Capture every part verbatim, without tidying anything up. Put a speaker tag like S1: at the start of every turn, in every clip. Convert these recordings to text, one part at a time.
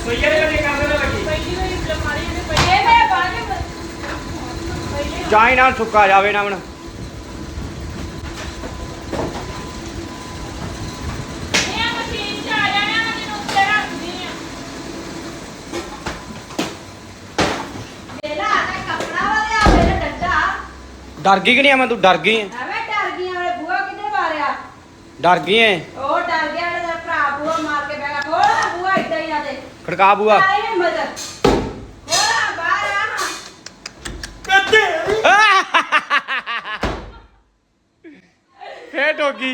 S1: ਰਸੋਈਏ ਦੇ ਲੱਗੇ ਕਰਦੇ ਨਾ ਲੱਗੀ
S2: ਪਹਿਲੀ ਵਾਰੀ ਅਲਮਾਰੀ ਨੇ ਪਈ ਇਹ ਮੈਂ ਬਾਅਦ ਵਿੱਚ
S1: ਚਾਹੀ ਨਾਲ ਸੁੱਕਾ ਜਾਵੇ ਨਾ ਹੁਣ डर गई कि नहीं मैं तू डर गई है
S2: ਐਵੇਂ ਡਰ ਗਈ ਆ ਬੂਆ ਕਿੱਧਰ ਮਾਰਿਆ
S1: डर गई है
S2: ਉਹ ਡਰ ਗਿਆ ਮੇਰਾ ਭਰਾ ਬੂਆ ਮਾਰ ਕੇ ਬੈਠਾ ਖੋਲਾ ਬੂਆ ਇੱਦਾਂ ਹੀ ਆ ਦੇ
S1: खड़का बुआ
S2: ਆਈ ਹਿੰਮਤ ਖੋਲਾ ਬਾਹਰ ਆ
S1: फिर ठोगी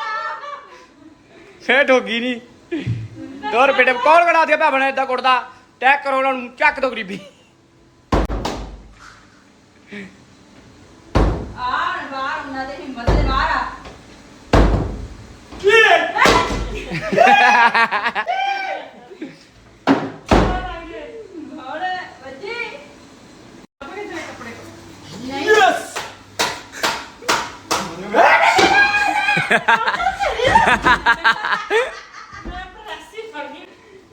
S1: फिर ठोगी नहीं तो बेटे कौन कड़ा दिया भावना इदा कुटदा टैक करो उन्होंने चक दो गरीबी
S2: ਆਣ ਬਾਹਰ ਉਹਨਾਂ ਦੇ ਹਿੰਮਤ ਦੇ ਬਾਹਰ ਆ ਹੋਰ ਬੱਜੀ ਆਪਣੇ ਤੇ ਕੱਪੜੇ ਨਹੀਂ ਯੈਸ ਮੈਂ ਪ੍ਰੈਸੀ ਫੜ ਗਈ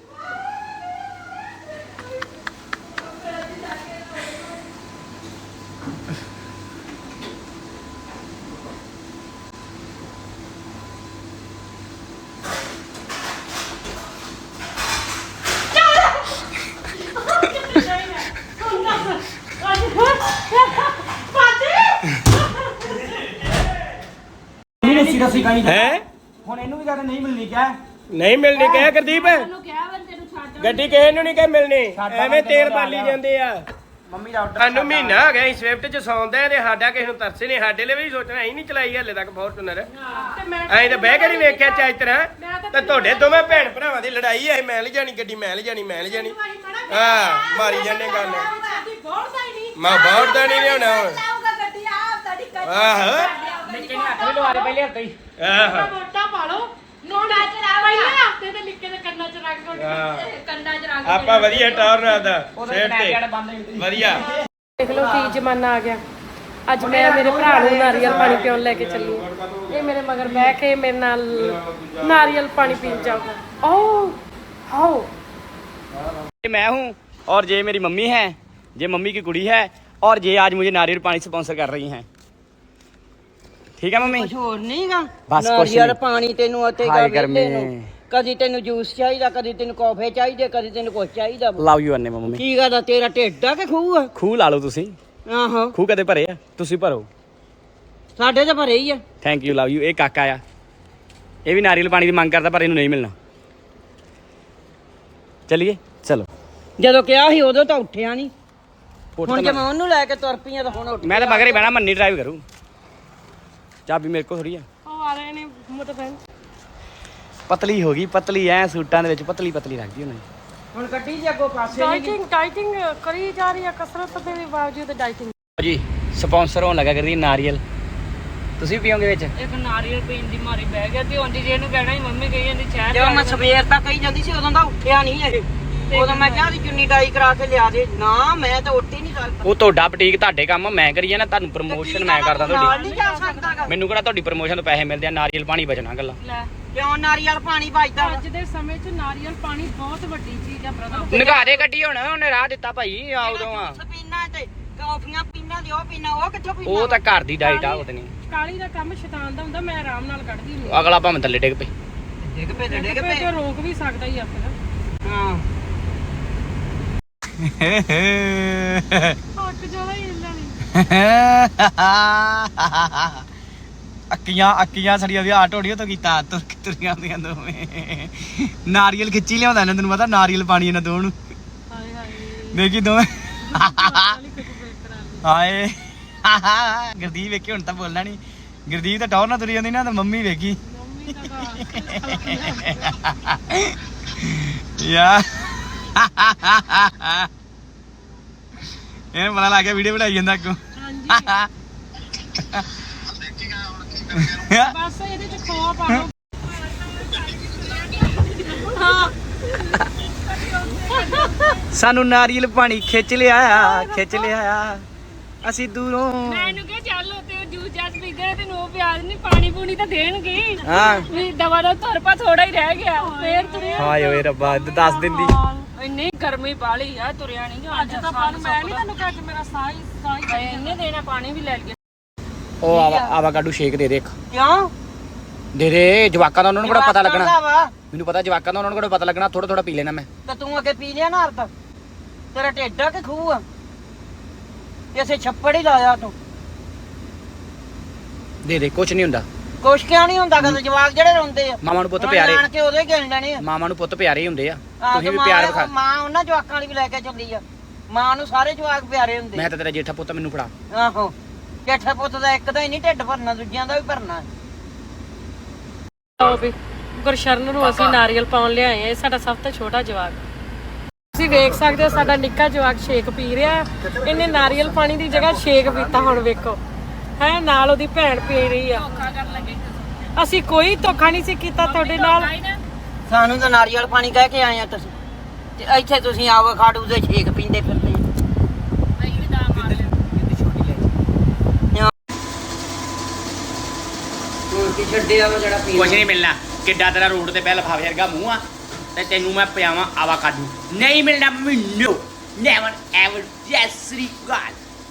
S1: रस्सी रस्सी कहीं
S3: है
S1: ਹੁਣ ਇਹਨੂੰ ਵੀ ਕਹਿੰਦੇ ਨਹੀਂ ਮਿਲਣੀ ਕਿਆ
S3: ਨਹੀਂ ਮਿਲਣੀ ਕਹਿ ਗੁਰਦੀਪ
S2: ਉਹਨੂੰ ਕਿਹਾ ਵਾ ਤੈਨੂੰ ਛੱਡ
S3: ਗੱਡੀ ਕਿਸੇ ਨੂੰ ਨਹੀਂ ਕਹਿ ਮਿਲਣੀ
S1: ਸਾਡਾ
S3: ਐਵੇਂ
S1: ਬੰਦੇ
S3: ਤੇਲ
S1: ਨੂੰ
S3: ਬਾਲੀ
S1: ਲਾ
S3: ਜਾਂਦੇ ਆ
S1: ਮੰਮੀ ਦਾ ਆਰਡਰ
S3: ਸਾਨੂੰ ਮਹੀਨਾ ਹੋ ਗਿਆ ਅਸੀਂ ਸਵਿਫਟ ਚ ਸੌਂਦੇ ਤੇ ਸਾਡਾ ਕਿਸੇ ਨੂੰ ਤਰਸੇ ਨਹੀਂ ਸਾਡੇ ਲਈ ਵੀ ਸੋਚਣਾ ਅਸੀਂ ਨਹੀਂ ਚਲਾਈ ਹਲੇ ਤੱਕ ਫੋਰਚੂਨਰ
S2: ਤੇ ਮੈਂ
S3: ਅਸੀਂ ਤਾਂ ਬਹਿ ਕੇ ਨਹੀਂ ਵੇਖਿਆ ਚਾਹ ਤਰ੍ਹਾਂ ਤੇ ਤੁਹਾਡੇ ਦੋਵੇਂ ਭੈਣ ਭਰਾਵਾਂ ਦੀ ਲੜਾਈ ਐ ਮੈਂ ਲੈ ਜਾਣੀ ਗੱਡੀ ਮੈਂ ਲੈ ਜਾਣੀ ਮੈਂ ਲੈ ਜਾਣੀ ਹਾਂ ਮਾਰੀ ਜਾਂਦੇ ਗੱਲ
S2: ਸਾਡੀ ਬੋੜਦਾ ਹੀ ਨਹੀਂ
S3: ਮੈਂ ਬੋੜਦਾ ਨਹੀਂ ਲਿਆਉਣਾ ਹੁਣ
S2: ਲਾਊਗਾ ਗੱਡੀ ਆ ਸਾਡੀ ਕੱਚ
S3: ਆਹੋ
S1: ਨਿੱਕੇ ਨੇ ਹੱਥ ਵੀ ਲਵਾ ਦੇ ਪਹਿਲੇ ਹੱਥ ਹੀ
S3: ਆਹੋ
S2: ਮੋਟਾ ਪਾ ਲਓ ਨੋੜਾ ਚ ਰਾ ਪਹਿਲੇ ਹਫਤੇ ਤੇ ਨਿੱਕੇ ਦੇ ਕੰਨਾਂ ਚ ਰੱਖ ਦੋ
S3: ਹਾਂ।
S2: ਕੰਨਾਂ ਚ ਰੱਖ
S3: ਆਪਾਂ ਵਧੀਆ ਟੌਰ ਆਦਾ
S1: ਉਹਦੇ
S3: ਸੇਟ
S1: ਕਨੈਕਟ
S3: ਤੇ
S1: ਬੰਦ ਹੋਈ ਸੀ
S3: ਵਧੀਆ
S4: ਦੇਖ ਲਓ ਕੀ ਜ਼ਮਾਨਾ ਆ ਗਿਆ ਅੱਜ ਮੈਂ ਮੇਰੇ ਭਰਾ ਨੂੰ ਨਾਰੀਅਲ ਪਾਣੀ ਪੀਉਣ ਲੈ ਕੇ ਚੱਲੀ ਹਾਂ ਇਹ ਮੇਰੇ ਮਗਰ ਬਹਿ ਕੇ ਮੇਰੇ ਨਾਲ ਨਾਰੀਅਲ ਪਾਣੀ ਪੀਣ ਜਾਊਗਾ ਓ ਹਾਓ
S1: ये मैं हूँ और ये मेरी मम्मी है ये मम्मी की कुड़ी है और ये आज मुझे नारियल पानी स्पॉन्सर कर रही हैं ठीक है मम्मी
S5: ਕੁਛ ਹੋਰ ਨਹੀਂਗਾ
S1: ਬਸ ਕੁਛ
S5: ਨਾਰੀਅਲ
S1: ਨਹੀਂ।
S5: ਪਾਣੀ ਤੈਨੂੰ ਅਤੇ
S1: ਹਾਏ ਗਰਮੀ।
S5: ਕਦੀ ਤੈਨੂੰ ਜੂਸ ਚਾਹੀਦਾ ਕਦੀ ਤੈਨੂੰ ਕਾਫੇ ਚਾਹੀਦੇ ਕਦੀ ਤੈਨੂੰ ਕੁਛ ਚਾਹੀਦਾ
S1: ਲਵ ਯੂ ਅੰਨੇ ਮੰਮੀ
S5: ਕੀ ਗੱਲ ਆ ਤੇਰਾ ਢਿੱਡ ਆ ਕਿ ਖੂਹ ਆ
S1: ਖੂਹ ਲਾ ਲਓ ਤੁਸੀਂ
S5: ਆਹੋ
S1: ਖੂਹ ਕਦੇ ਭਰੇ ਆ ਤੁਸੀਂ ਭਰੋ
S5: ਸਾਡੇ ਤਾਂ ਭਰੇ ਹੀ ਆ
S1: ਥੈਂਕ ਯੂ ਲਵ ਯੂ ਇਹ ਕਾਕਾ ਆ ਇਹ ਵੀ ਨਾਰੀਅਲ ਪਾਣੀ ਦੀ ਮੰਗ ਕਰਦਾ ਪਰ ਇਹਨੂੰ ਨਹੀਂ ਮਿਲਣਾ ਚਲਿਏ ਚਲੋ
S5: ਜਦੋਂ ਕਿਹਾ ਸੀ ਉਦੋਂ ਤਾਂ ਉੱਠਿਆ ਨਹੀਂ
S1: ਉੱਠ
S5: ਹੁਣ
S1: ਤਾਂ
S5: ਜੇ
S1: ਮੈਂ-
S5: ਮੈਂ ਉਹਨੂੰ ਲੈ ਕੇ ਤੁਰ ਪਈ ਆ ਤਾਂ ਹੁਣ ਉੱਠ
S1: ਮੈਂ ਤਾਂ ਮਗਰ ਹੀ ਬਹਿਣਾ ਮੰਨੀ ਡਰਾਈਵ ਕਰੂ ਚਾਬੀ ਮੇਰੇ ਕੋਲ ਥੋੜੀ ਆ
S4: ਉਹ ਆ ਰਹੇ ਨੇ ਮਤਲਬ
S1: ਪਤਲੀ ਹੋ ਗਈ ਪਤਲੀ ਐ ਸੂਟਾਂ ਦੇ ਵਿੱਚ ਪਤਲੀ ਪਤਲੀ ਲੱਗਦੀ ਉਹਨਾਂ
S5: ਹੁਣ ਕੱਢੀ ਜੇ ਅੱਗੋਂ ਪਾਸੇ ਨਹੀਂ
S4: ਡਾਈਟਿੰਗ ਡਾਈਟਿੰਗ ਕਰੀ ਜਾ ਰਹੀ ਹੈ ਕਸਰਤ ਦੇ ਬਾਵਜੂਦ ਡਾਈਟਿੰਗ
S1: ਜੀ ਸਪਾਂਸਰ ਹੋਣ ਲੱਗਾ ਕਰਦੀ ਨਾਰੀਅਲ ਤੁਸੀਂ ਪੀਓਗੇ ਵਿੱਚ
S2: ਇੱਕ ਨਾਰੀਅਲ ਪੀਣ ਦੀ ਮਾਰੀ ਬਹਿ ਗਿਆ ਤੇ ਉਹਦੀ ਜੇ ਇਹਨੂੰ ਕਹਿਣਾ ਸੀ ਮੰਮੀ ਕਹੀ ਜਾਂਦੀ ਚਾਹ
S5: ਜਦੋਂ ਮੈਂ ਸਵੇਰ ਤੱਕ ਕਹੀ ਜਾਂਦੀ ਸੀ ਉਦੋਂ ਦਾ ਉੱਠਿਆ ਨਹੀਂ ਇਹ ਉਦੋਂ ਮੈਂ ਕਿਹਾ ਸੀ ਚੁੰਨੀ ਡਾਈ ਕਰਾ ਕੇ ਲਿਆ ਦੇ ਨਾ ਮੈਂ ਤਾਂ ਉੱਠ ਹੀ ਨਹੀਂ ਸਕਦਾ
S1: ਉਹ ਤੁਹਾਡਾ ਬੁਟੀਕ ਤੁਹਾਡੇ ਕੰਮ ਮੈਂ ਕਰੀ ਜਾਣਾ ਤੁਹਾਨੂੰ ਪ੍ਰਮੋਸ਼ਨ ਮੈਂ ਕਰਦਾ
S5: ਨਾਲ
S1: ਤੁਹਾਡੀ
S5: ਨਹੀਂ ਜਾ ਸਕਦਾ ਗਾ।
S1: ਮੈਨੂੰ ਕਿਹੜਾ ਤੁਹਾਡੀ ਪ੍ਰਮੋਸ਼ਨ ਤੋਂ ਪੈਸੇ ਮਿਲਦੇ ਆ ਨਾਰੀਅਲ ਪਾਣੀ ਬਚਣਾ ਗੱਲਾਂ
S2: ਲੈ
S5: ਕਿਉਂ ਨਾਰੀਅਲ ਪਾਣੀ ਵੱਜਦਾ ਵਾ?
S4: ਅੱਜ ਦੇ ਸਮੇਂ 'ਚ ਨਾਰੀਅਲ ਪਾਣੀ ਬਹੁਤ ਵੱਡੀ ਚੀਜ਼ ਆ ਬ੍ਰਦਰ
S1: ਨਿਗਾਹ ਦੇ ਗੱਡੀ ਹੁਣ ਉਹਨੇ ਰਾਹ ਦਿੱਤਾ ਭਾਈ ਆ ਉਦੋਂ ਆ
S5: ਜੂਸ ਪੀਣਾ ਤੇ ਕਾਫੀਆਂ ਪੀਣਾ ਤੇ ਉਹ ਪੀਣਾ ਉਹ ਕਿੱਥੋਂ ਪੀਣਾ
S1: ਉਹ ਤਾਂ ਘਰ ਦੀ ਡਾਈਟ ਆ ਉਹਦੇ ਨਹੀਂ
S4: ਕਾਲੀ ਦਾ ਕੰਮ ਸ਼ੈਤਾਨ ਦਾ ਹੁੰਦਾ ਮੈਂ ਆਰਾਮ ਨਾਲ ਕੱਢਦੀ ਹੁੰਦੀ
S1: ਅਗਲਾ ਭਾਵੇਂ ਥੱਲੇ ਡਿੱਗ ਪਏ
S5: ਡਿੱਗ ਪਏ ਤੇ ਡਿੱਗ
S4: ਤੇ
S5: ਪਏ
S4: ਰੋਕ ਵੀ ਸਕਦਾ ਹੀ ਆ ਫਿਰ
S5: ਹਾਂ
S4: ਹੱਕ ਜਿਆਦਾ ਹੀ ਹਿੱਲਣਾ ਨਹੀਂ
S1: ਅੱਕੀਆਂ ਅੱਕੀਆਂ ਸੜੀਆਂ ਵੀ ਆ ਢੋੜੀਆਂ ਤੋਂ ਕੀਤਾ ਤੁਰ ਤੁਰੀਆਂ ਹੁੰਦੀਆਂ ਦੋਵੇਂ ਨਾਰੀਅਲ ਖਿੱਚੀ ਲਿਆਉਂਦਾ ਇਹਨਾਂ ਤੈਨੂੰ ਪਤਾ ਨਾਰੀਅਲ ਪਾਣੀ ਇਹਨਾਂ ਦੋਵਾਂ ਨੂੰ
S4: ਹਾਏ ਹਾਏ
S1: ਦੇਖੀ ਦੋਵੇਂ
S4: ਕਾਲੀ ਕੁਝ ਬੇਕ ਕਰਾ
S1: ਹਾਏ ਗੁਰਦੀਪ ਵੇਖੀ ਹੁਣ ਤਾਂ ਬੋਲਣਾ ਨਹੀਂ ਗੁਰਦੀਪ ਤਾਂ ਟੌਰ ਨਾਲ ਤੁਰੀ ਜਾਂਦੀ ਨਾ ਤਾਂ ਮੰਮੀ ਵੇਖੀ
S4: ਮੰਮੀ ਦਾ
S1: ਯਾ ਇਹਨੂੰ ਪਤਾ ਲੱਗ ਗਿਆ ਵੀਡੀਓ ਬਣਾਈ ਜਾਂਦਾ ਅੱਗੋਂ
S4: ਬਸ ਇਹਦੇ ਚ ਖੋਆ ਪਾ ਲਓ
S1: ਸਾਨੂੰ ਨਾਰੀਅਲ ਪਾਣੀ ਖਿੱਚ ਲਿਆ ਖਿੱਚ ਲਿਆ ਅਸੀਂ ਦੂਰੋਂ
S2: ਮੈਨੂੰ ਕਿਹਾ ਚੱਲ ਉੱਤੇ ਜੂਸ ਜਾਸ ਪੀਂਦੇ ਤੇ ਨੋ ਪਿਆਜ਼ ਨਹੀਂ ਪਾਣੀ ਪੂਣੀ ਤਾਂ ਦੇਣਗੇ
S1: ਹਾਂ
S2: ਵੀ ਦਵਾ ਦਾ ਤੁਰ ਪਾ ਥੋੜਾ ਹੀ ਰਹਿ ਗਿਆ ਫੇਰ ਤੁਰੇ
S1: ਹਾਏ ਓਏ ਰੱਬਾ ਦੱਸ ਦਿੰਦੀ
S2: ਇੰਨੀ ਗਰਮੀ ਬਾਲੀ ਆ ਤੁਰਿਆ ਨਹੀਂ
S4: ਅੱਜ ਤਾਂ ਪਾਣੀ ਮੈਂ ਨਹੀਂ ਤੈਨੂੰ ਕਿਹਾ ਕਿ ਮੇਰਾ ਸਾਹ ਹੀ ਸਾਹ ਹੀ
S2: ਇੰਨੇ ਦੇਣਾ ਪਾਣੀ ਵੀ ਲੈ ਲਿਆ
S1: ਉਹ ਆਵਾ ਆਵਾਕਾਡੋ ਸ਼ੇਕ ਦੇ ਦੇ ਇੱਕ
S5: ਕਿਉਂ
S1: ਦੇ ਦੇ ਜਵਾਕਾਂ ਦਾ ਉਹਨਾਂ ਨੂੰ ਕਿਹੜਾ ਪਤਾ ਲੱਗਣਾ
S5: ਜਵਾਕਾਂ ਦਾ ਵਾ।
S1: ਮੈਨੂੰ ਪਤਾ ਜਵਾਕਾਂ ਦਾ ਉਹਨਾਂ ਨੂੰ ਕਿਹੜਾ ਪਤਾ ਲੱਗਣਾ ਥੋੜਾ ਥੋੜਾ ਪੀ ਲੈਣਾ ਮੈਂ
S5: ਤੇ ਤੂੰ ਅੱਗੇ ਪੀ ਲਿਆ ਨਾ ਅਰਧ ਤੇਰਾ ਢਿੱਡ ਆ ਕਿ ਖੂਹ ਆ ਕਿਸੇ ਛੱਪੜ ਹੀ ਲਾਇਆ ਤੂੰ
S1: ਦੇ ਦੇ ਕੁਝ ਨਹੀਂ ਹੁੰਦਾ
S5: ਕੁਛ ਕਿਉਂ ਨਹੀਂ ਹੁੰਦਾ ਕਦੇ ਜਵਾਕ ਜਿਹੜੇ ਰੋਂਦੇ ਆ
S1: ਮਾਮਾ ਨੂੰ ਪੁੱਤ
S5: ਉਹਨਾਂ
S1: ਪਿਆਰੇ
S5: ਆਣ ਕੇ ਉਦੋਂ ਹੀ ਗਿਣ ਲੈਣੇ ਆ
S1: ਮਾਮਾ ਨੂੰ ਪੁੱਤ ਪਿਆਰੇ ਹੀ ਹੁੰਦੇ ਆ
S5: ਆਹ
S1: ਤੁਸੀਂ
S5: ਤੇ
S1: ਵੀ
S5: ਮਾਂ-
S1: ਪਿਆਰ ਵਿਖਾ
S5: ਮਾਂ ਉਹਨਾਂ ਜਵਾਕਾਂ ਵਾਲੀ ਵੀ ਲੈ ਕੇ ਚੱਲੀ ਆ ਮਾਂ ਨੂੰ ਸਾਰੇ ਜਵਾਕ ਪਿਆਰੇ ਹੁੰਦੇ
S1: ਮੈਂ ਤਾਂ ਤੇਰਾ ਜੇਠਾ ਪੁੱਤ ਮੈਨੂੰ ਫੜਾ
S5: ਆਹੋ ਜੇਠਾ ਪੁੱਤ ਦਾ ਇੱਕ ਦਾ ਹੀ ਨਹੀਂ ਢਿੱਡ ਭਰਨਾ ਦੂਜਿਆਂ ਦਾ ਵੀ ਭਰਨਾ
S4: ਲਓ ਵੀ ਗੁਰਸ਼ਰਨ ਨੂੰ ਅਸੀਂ ਨਾਰੀਅਲ ਪਾਉਣ ਲਿਆਏ ਆ ਇਹ ਸਾਡਾ ਸਭ ਤੋਂ ਛੋਟਾ ਜਵਾਕ ਤੁਸੀਂ ਵੇਖ ਸਕਦੇ ਹੋ ਸਾਡਾ ਨਿੱਕਾ ਜਵਾਕ ਸ਼ੇਕ ਪੀ ਰਿਹਾ ਇਹਨੇ ਨਾਰੀਅਲ ਪਾਣੀ ਦੀ ਜਗ੍ਹਾ ਸ਼ੇਕ ਪੀਤਾ ਹੁਣ ਵੇਖੋ ਹੈ ਨਾਲ ਉਹਦੀ ਭੈਣ ਪੀ ਰਹੀ ਆ ਅਸੀਂ ਕੋਈ ਧੋਖਾ ਨਹੀਂ ਸੀ ਕੀਤਾ ਤੁਹਾਡੇ ਨਾਲ
S5: ਸਾਨੂੰ ਤਾਂ ਨਾਰੀਅਲ ਪਾਣੀ ਕਹਿ ਕੇ ਆਏ ਆ ਤੁਸੀਂ ਤੇ ਇੱਥੇ ਤੁਸੀਂ ਆਵੋ ਖਾੜੂ ਦੇ ਛੇਕ ਪੀਂਦੇ ਫਿਰਦੇ ਹੋਰ ਕੀ ਛੱਡਿਆ ਵਾ ਜਿਹੜਾ ਪੀ
S1: ਕੁਝ ਨਹੀਂ ਮਿਲਣਾ ਕਿੱਡਾ ਤੇਰਾ ਰੋਡ ਤੇ ਪਹਿਲ ਫਾਵੇ ਵਰਗਾ ਮੂੰਹ ਆ ਤੇ ਤੈਨੂੰ ਮੈਂ ਪਿਆਵਾਂ ਆਵਾਕਾਡੋ ਨਹੀਂ ਮਿਲਣਾ ਮੈਨੂੰ ਨੈਵਰ ਐਵਰ ਜੈਸ ਸ੍ਰੀ ਗਾਲ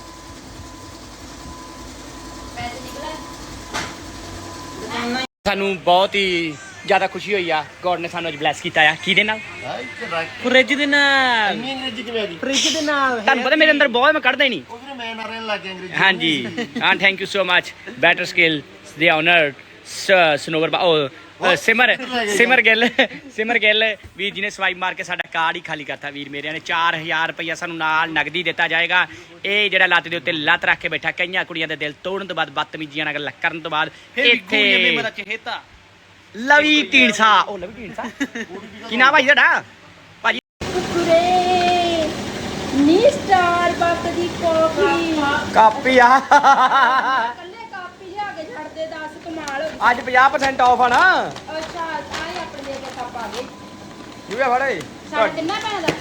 S1: ਸਾਨੂੰ ਬਹੁਤ ਹੀ ਜ਼ਿਆਦਾ ਖੁਸ਼ੀ ਹੋਈ ਆ ਗੋਡ ਨੇ ਸਾਨੂੰ ਅੱਜ ਬਲੈਸ ਕੀਤਾ ਆ ਕਿਹਦੇ ਨਾਲ ਫ੍ਰਿਜ ਦੇ ਨਾਲ
S3: ਇੰਨੀ ਅੰਗਰੇਜ਼ੀ ਕਿਵੇਂ ਆ ਗਈ
S1: ਫ੍ਰਿਜ ਦੇ ਨਾਲ ਤੁਹਾਨੂੰ ਪਤਾ ਮੇਰੇ ਅੰਦਰ ਬਹੁਤ ਮੈਂ ਕੱਢਦਾ ਹੀ ਨਹੀਂ
S3: ਉਹ ਵੀਰੇ ਮੈਂ ਨਾਰੇ ਲੱਗ ਗਿਆ ਅੰਗਰੇਜ਼ੀ
S1: ਹਾਂਜੀ ਹਾਂ thank you so much better skill ਦੇ ਓਨਰ ਸਨੋਵਰ ਉਹ ਸਿਮਰ ਸਿਮਰ ਗਿੱਲ ਸਿਮਰ ਗਿੱਲ ਵੀਰ ਜੀ ਨੇ ਸਵਾਈਪ ਮਾਰ ਕੇ ਸਾਡਾ ਕਾਰਡ ਹੀ ਖਾਲੀ ਕਰਤਾ ਵੀਰ ਮੇਰਿਆਂ ਨੇ ਚਾਰ ਹਜ਼ਾਰ ਰੁਪਇਆ ਸਾਨੂੰ ਨਾਲ ਨਗਦੀ ਦਿੱਤਾ ਜਾਏਗਾ ਇਹ ਜਿਹੜਾ ਲੱਤ ਦੇ ਉੱਤੇ ਲੱਤ ਰੱਖ ਕੇ ਬੈਠਾ ਕਈਆਂ ਕੁੜੀਆਂ ਦੇ ਦਿਲ ਤੋੜਨ ਤੋਂ ਬਾਅਦ ਬਦਤਮੀਜ਼ੀਆਂ ਨਾਲ ਗੱਲਾਂ ਕਰਨ ਤੋਂ ਬਾਅਦ ਇੱਥੇ ਲਵੀ ਢੀਂਡਸਾ ਉਹ ਲਵੀ ਢੀਂਡਸਾ ਕੀ ਨਾਮ ਭਾਈ ਤੁਹਾਡਾ ਭਾਜੀ
S2: ਕੁਰੇ ਨੀ ਸਟਾਰ ਬੱਕ ਦੀ ਕਾਫੀ
S1: ਕਾਪੀ ਆ
S2: ਕੱਲੇ ਕਾਪੀ ਲਿਆ ਕੇ ਛੱਡ ਦੇ ਦਸ ਕਮਾਲ
S1: ਅੱਜ ਪੰਜਾਹ ਪਰਸੈਂਟ ਆਫ ਆ ਨਾ
S2: ਅੱਛਾ ਆਏ ਆਪਣੇ ਦੇ ਕੇ ਕੱਪ ਆ ਗਏ
S1: ਜੂਗਾ ਫੜੇ
S2: ਸਾਡੇ ਕਿੰਨਾ ਪੈਣਾ ਦਾ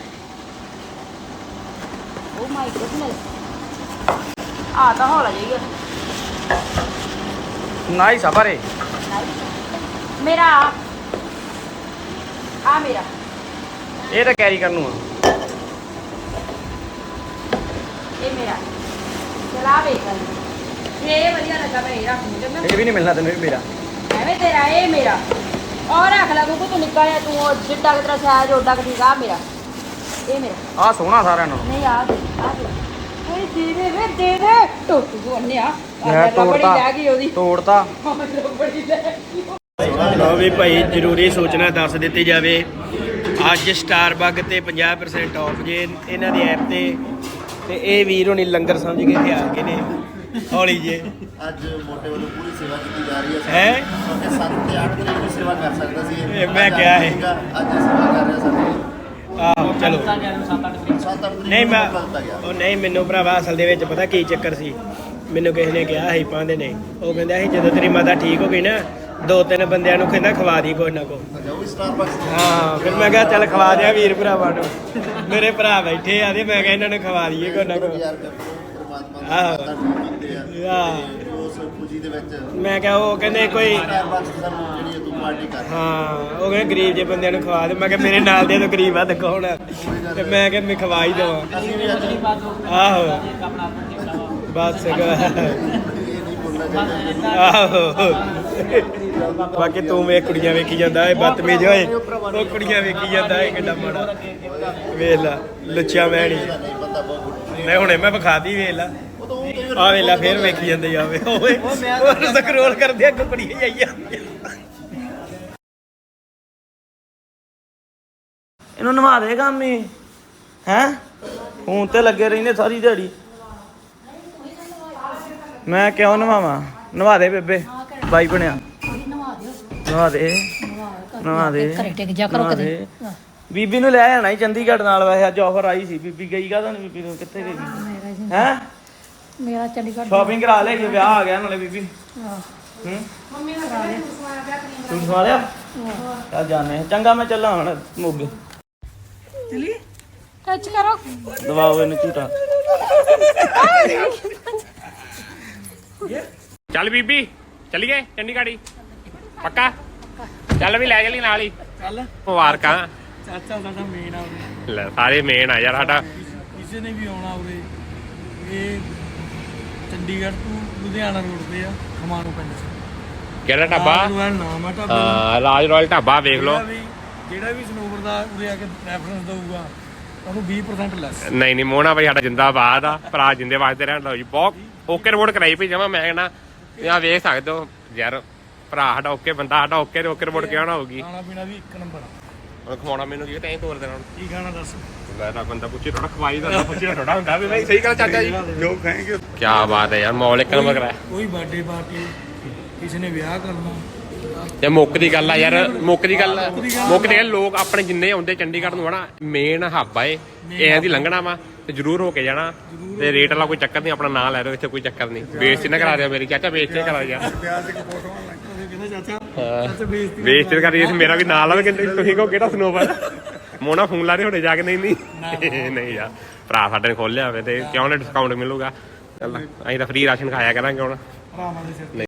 S2: ਓ ਮਾਈ ਗੁੱਡਨੈਸ ਆ ਤਾਂ ਹੌਲਾ ਜਾਈਗਾ
S1: ਨਾਈਸ ਆ ਬਾਰੇ
S2: ਮੇਰਾ ਆ ਮੇਰਾ
S1: ਇਹ ਤਾਂ ਕੈਰੀ ਕਰਨ ਨੂੰ ਆ
S2: ਇਹ ਮੇਰਾ ਚਲਾ ਵੇਖ ਇਹ ਵਧੀਆ ਲੱਗਾ ਮੈਂ ਇਹ ਰੱਖ ਲੂੰਗਾ
S1: ਇਹ ਵੀ ਨਹੀਂ ਮਿਲਣਾ ਤੈਨੂੰ ਇਹ ਵੀ ਮੇਰਾ
S2: ਐਵੇਂ ਤੇਰਾ ਇਹ ਮੇਰਾ ਔਰ ਰੱਖ ਲੈ ਕਿਉਂਕਿ ਤੂੰ ਨਿੱਕਾ ਜਿਹਾ ਤੂੰ ਉਹ ਜਿੱਡਾ ਕਿ ਤੇਰਾ ਸਾਈਜ਼ ਓਡਾ ਕਿ ਠੀਕ ਆ ਮੇਰਾ ਇਹ ਮੇਰਾ
S1: ਆ ਸੋਹਣਾ ਸਾਰਿਆਂ ਨਾਲੋਂ
S2: ਨਹੀਂ ਆ ਦੇ ਆ ਦੇ ਓਏ ਦੇ ਦੇ ਵੇ ਦੇ ਦੇ ਟੋਟੂ ਨੂੰ ਅੰਨਿਆ
S1: ਮੈਂ ਤੋੜਤਾ
S2: ਰਹਿ ਗਈ ਉਹਦੀ
S1: ਤੋੜਤਾ
S2: ਬੜੀ ਲੈ ਗਈ
S3: ਲਓ ਵੀ ਭਾਈ ਜ਼ਰੂਰੀ ਸੂਚਨਾ ਦੱਸ ਦਿੱਤੀ ਜਾਵੇ ਅੱਜ ਸਟਾਰਬਕ ਤੇ ਪੰਜਾਹ ਪਰਸੈਂਟ ਆਫ ਜੇ ਇਹਨਾਂ ਦੀ ਐਪ ਤੇ ਤੇ ਇਹ ਵੀਰ ਹੋਣੀ ਲੰਗਰ ਸਮਝ ਕੇ ਇੱਥੇ ਆ ਗਏ ਨੇ ਹੌਲੀ ਜੇ
S6: ਅੱਜ ਮੋਟੇ ਵੱਲੋਂ ਪੂਰੀ ਸੇਵਾ ਕੀਤੀ ਜਾ ਰਹੀ ਹੈ
S3: ਹੈ
S6: ਕਿਉਂਕਿ ਸੱਤ ਤੇ ਅੱਠ ਤਰੀਕ ਨੂੰ ਸੇਵਾ ਕਰ ਸਕਦਾ ਸੀ
S3: ਇਹ ਮੈਂ ਕਿਹਾ ਹੈ।
S6: ਅੱਜ ਸੇਵਾ ਕਰ ਰਿਹਾ ਸਾਡੇ
S3: ਆਹੋ ਚਲੋ
S6: ਸੱਤ ਅੱਠ
S3: ਨਹੀਂ ਮੈਂ
S6: ਬਦਲਦਾ ਗਿਆ
S3: ਉਹ ਨਹੀਂ ਮੈਨੂੰ ਭਰਾਵਾ ਅਸਲ ਦੇ ਵਿੱਚ ਪਤਾ ਕੀ ਚੱਕਰ ਸੀ ਮੈਨੂੰ ਕਿਸੇ ਨੇ ਕਿਹਾ ਸੀ ਪਾਉਂਦੇ ਨੇ ਉਹ ਕਹਿੰਦਾ ਸੀ ਜਦੋਂ ਤੇਰੀ ਮਾਤਾ ਠੀਕ ਹੋ ਗਈ ਨਾ ਦੋ ਤਿੰਨ ਬੰਦਿਆਂ ਨੂੰ ਕਹਿੰਦਾ ਖਵਾ ਦੀ ਕੋਈ ਨਾ ਕੋ
S6: ਜਾਓ ਸਟਾਰਬਕਸ
S3: ਹਾਂ ਫਿਰ ਮੈਂ ਕਿਹਾ ਚੱਲ ਖਵਾ ਦਿਆ ਵੀਰ ਭਰਾਵਾਂ ਨੂੰ ਮੇਰੇ ਭਰਾ ਬੈਠੇ ਆ ਤੇ ਮੈਂ ਕਿਹਾ ਇਹਨਾਂ ਨੂੰ ਖਵਾ ਦਈਏ ਕੋਈ ਨਾ ਕੋਈ
S6: ਯਾਰ ਪਰਮਾਤਮਾ
S3: ਆਹੋ।
S6: ਦਾ ਕੀਤੇ ਆ
S3: ਆਹ।
S6: ਤੇ ਉਸ ਖੁਸ਼ੀ ਦੇ ਵਿੱਚ
S3: ਮੈਂ ਕਿਹਾ ਉਹ ਕਹਿੰਦੇ ਕੋਈ
S6: ਸਟਾਰਬਕਸ ਸਾਨੂੰ ਜਿਹੜੀ ਹੈ ਤੂੰ ਪਾਰਟੀ ਕਰ
S3: ਹਾਂ ਉਹ ਕਹਿੰਦੇ ਗਰੀਬ ਜੇ ਬੰਦਿਆਂ ਨੂੰ ਖਵਾ ਦੇ ਮੈਂ ਕਿਹਾ ਮੇਰੇ ਨਾਲ ਦੇ ਤਾਂ ਗਰੀਬ ਆ ਤੇ ਕੌਣ ਆ ਤੇ ਮੈਂ ਕਿਹਾ ਮੈਂ ਖਵਾ ਹੀ ਦੇਵਾਂ
S6: ਅਸੀਂ ਵੀ ਅੱਜ
S3: ਆਹੋ ਬਸ
S6: ਇਹ ਨਹੀਂ ਬੋਲਣਾ ਚਾਹੀਦਾ
S3: ਆਹੋ ਬਾਕੀ ਤੂੰ ਵੇਖ ਕੁੜੀਆਂ ਵੇਖੀ ਜਾਂਦਾ ਇਹ ਬਦਤਮੀਜ਼ ਹੋਏ ਉਹ ਕੁੜੀਆਂ ਵੇਖੀ ਜਾਂਦਾ ਇਹ ਕਿੱਡਾ ਮਾੜਾ ਵੇਖ ਲਾ ਲੁੱਚਾ ਮੈਂ ਨਹੀਂ
S6: ਨਹੀਂ ਬੰਦਾ ਬਹੁਤ
S3: ਮੈਂ ਹੁਣੇ ਮੈਂ ਵਿਖਾਤੀ ਵੇਖ ਲਾ
S6: ਉਹ ਤਾਂ ਉਹ ਕਈ
S3: ਆ ਵੇਖ ਲਾ ਫੇਰ ਵੇਖੀ ਜਾਂਦੇ ਆਵੇ ਓਏ ਉਹ ਸਕਰੋਲ ਕਰਦੇ ਅੱਗੇ ਕੁੜੀਆਂ ਜਾਈ ਜਾਂਦੀਆਂ ਇਹਨੂੰ ਨਵਾ ਦੇ ਕੰਮ ਹੀ ਹੈ ਹੁਣ ਤੇ ਲੱਗੇ ਰਹਿੰਦੇ ਸਾਰੀ ਦਿਹਾੜੀ ਮੈਂ ਕਿਉਂ ਨਵਾਵਾਂ ਨਵਾ ਦੇ ਬੇਬੇ ਬਾਈ ਬਣਿਆ ਨਵਾ ਦੇ ਨਵਾ ਦੇ
S2: ਘਰੇ ਟਿਕ ਜਾ ਕਰੋ
S3: ਨਵਾ ਦੇ। ਬੀਬੀ ਨੂੰ ਲੈ ਆਣਾ ਹੀ ਚੰਡੀਗੜ੍ਹ ਨਾਲ ਵੈਸੇ ਅੱਜ ਆਫਰ ਆਈ ਸੀ ਬੀਬੀ ਗਈ ਕਾਹਦਾ ਨਹੀਂ ਬੀਬੀ ਨੂੰ ਕਿੱਥੇ ਗਈ ਹੈ
S2: ਮੇਰਾ ਚੰਡੀਗੜ੍ਹ
S3: ਸ਼ਾਪਿੰਗ ਕਰਾ ਲੈ ਕਿ ਵਿਆਹ ਆ ਗਿਆ ਨਾਲੇ ਬੀਬੀ ਹੂੰ ਮੰਮੀ ਨੇ ਕਰਾ ਲਿਆ ਤੂੰ ਸਵਾ ਲਿਆ ਚੱਲ ਜਾਣੇ ਚੰਗਾ ਮੈਂ ਚੱਲਾਂ ਹੁਣ ਮੋਗੇ
S2: ਟੱਚ ਕਰੋ
S3: ਦਵਾਓ ਇਹਨੂੰ ਝੂਟਾ
S7: ਚੱਲ ਬੀਬੀ ਚੱਲੀਏ ਚੰਡੀਗੜ੍ਹ ਹੀ ਪੱਕਾ ਚੱਲ ਵੀ ਲੈ ਚੱਲੀ ਨਾਲ ਹੀ ਚੱਲ ਮੁਬਾਰਕਾਂ
S3: ਚਾਚਾ ਸਾਡਾ ਮੇਨ ਆ ਉਰੇ।
S7: ਲੈ ਸਾਰੇ ਮੇਨ ਆ ਯਾਰ ਸਾਡਾ।
S3: ਕਿਸੇ ਨੇ ਵੀ ਆਉਣਾ ਉਰੇ, ਇਹ ਚੰਡੀਗੜ੍ਹ ਤੋਂ ਲੁਧਿਆਣਾ ਰੋਡ ਤੇ ਆ, ਖਮਾਣੋ ਪਿੰਡ ਚ
S7: ਕਿਹੜਾ ਢਾਬਾ?
S3: ਰਾਜ ਰੋਇਲ ਨਾਮ ਆ ਢਾਬੇ ਦਾ।
S7: ਹਾਂ ਰਾਜ ਰਾਇਲ ਢਾਬਾ ਵੇਖ ਲਓ।
S3: ਜਿਹੜਾ ਵੀ ਜਿਹੜਾ ਵੀ ਸਨੋਵਰ ਦਾ ਉਰੇ ਆ ਕੇ ਰੈਫਰੈਂਸ ਦਊਗਾ ਉਹਨੂੰ ਵੀਹ ਪਰਸੈਂਟ ਲੈਸ।
S7: ਨਹੀਂ ਨਹੀਂ ਮੋਹਣਾ ਭਾਈ ਸਾਡਾ ਜਿੰਦਾਬਾਦ ਆ, ਭਰਾ ਜਿੰਦੇ ਵਾਸਤੇ ਰਹਿਣ ਲਓ ਜੀ। ਬਹੁਤ ਓਕੇ ਰਿਪੋਰਟ ਕਰਾਈ ਭਈ ਜਮਾ। ਮੈਂ ਕਹਿੰਦਾ ਆ ਵੇਖ ਸਕਦੇ ਹੋ ਯਾਰ, ਭਰਾ ਸਾਡਾ ਓਕੇ ਬੰਦਾ, ਸਾਡਾ ਓਕੇ ਤੇ ਓਕੇ ਰਿਪੋਰਟ ਕਿਉਂ ਨਾ ਹੋਊਗੀ।
S3: ਖਾਣਾ ਪੀਣਾ ਵੀ ਇੱਕ ਨੰਬਰ ਆ।
S7: ਹੁਣ ਖਵਾਉਣਾ ਮੈਨੂੰ ਕੀ ਤੈਂ ਤੋਰ ਦੇਣਾ ਹੁਣ।
S3: ਕੀ ਖਾਣਾ ਦੱਸ?
S7: ਲੈ ਤਾਂ ਬੰਦਾ ਪੁੱਛੇ ਥੋੜਾ ਖਵਾਈ ਦਾ ਪੁੱਛੇ ਥੋੜਾ ਹੁੰਦਾ ਵੀ ਨਹੀਂ। ਸਹੀ ਗੱਲ ਚਾਚਾ ਜੀ,
S6: ਜੋ ਖਾਏਗੇ
S7: ਕੀ ਬਾਤ ਹੈ ਯਾਰ, ਮੌਲ ਇੱਕ ਨੰਬਰ ਕਰਾਇਆ।
S3: ਕੋਈ ਬਰਥਡੇ ਪਾਰਟੀ, ਕਿਸੇ ਨੇ ਵਿਆਹ ਕਰਨਾ,
S7: ਤੇ ਮੁੱਕ ਦੀ ਗੱਲ ਆ ਯਾਰ, ਮੁੱਕ ਦੀ ਗੱਲ ਮੁੱਕ ਦੀ ਗੱਲ, ਲੋਕ ਆਪਣੇ ਜਿੰਨੇ ਆਉਂਦੇ ਚੰਡੀਗੜ੍ਹ ਨੂੰ ਹਨਾ, ਮੇਨ ਹੱਬ ਆ ਇਹ, ਇਹਨਾਂ ਦੀ ਲੰਘਣਾ ਵਾ ਤੇ ਜ਼ਰੂਰ ਹੋ ਕੇ ਜਾਣਾ। ਤੇ ਰੇਟ ਵਾਲਾ ਕੋਈ ਚੱਕਰ ਨਹੀਂ, ਆਪਣਾ ਨਾਂ ਲੈ ਦਿਓ, ਇੱਥੇ ਕੋਈ ਚੱਕਰ ਨਹੀਂ। ਬੇਇੱਜ਼ਤੀ ਨਾ ਕਰਾ ਦਿਓ ਮੇਰੀ ਚਾਚਾ, ਬੇਇੱਜ਼ਤੀ ਕਰਾ ਯਾਰ।
S6: ਪਿਆਜ਼ ਇੱਕ ਫੋਟੋ ਲੱਗ
S3: ਕਹਿੰਦਾ ਚਾਚਾ
S7: ਹਾਂ ਬੇਇੱਜ਼ਤੀ ਕਰੀ, ਮੇਰਾ ਵੀ ਨਾਂ ਲਾਵੇ। ਕਹਿੰਦੇ ਤੁਸੀਂ ਕਹੋ ਕਿਹੜਾ ਸਨੋਵਰ, ਮੋਨਾ ਫੋਨ ਲਾ ਰਹੇ ਹੋਣੇ ਜਾ ਕੇ। ਨਹੀਂ ਨਹੀਂ ਨਹੀਂ ਯਾਰ, ਭਰਾ ਸਾਡੇ ਨੇ ਖੋਲਿਆ ਹੋਵੇ ਤੇ ਕਿਉਂ ਨਾ ਡਿਸਕਾਊਂਟ ਮਿਲੂਗਾ। ਚੱਲ ਅਸੀਂ ਤਾਂ ਫ੍ਰੀ ਰਾਸ਼ਨ ਖਾਇਆ ਕਰਾਂਗੇ ਹੁਣ।
S3: ਭਰਾਵਾਂ ਦੇ ਸਿਰ ਤੇ।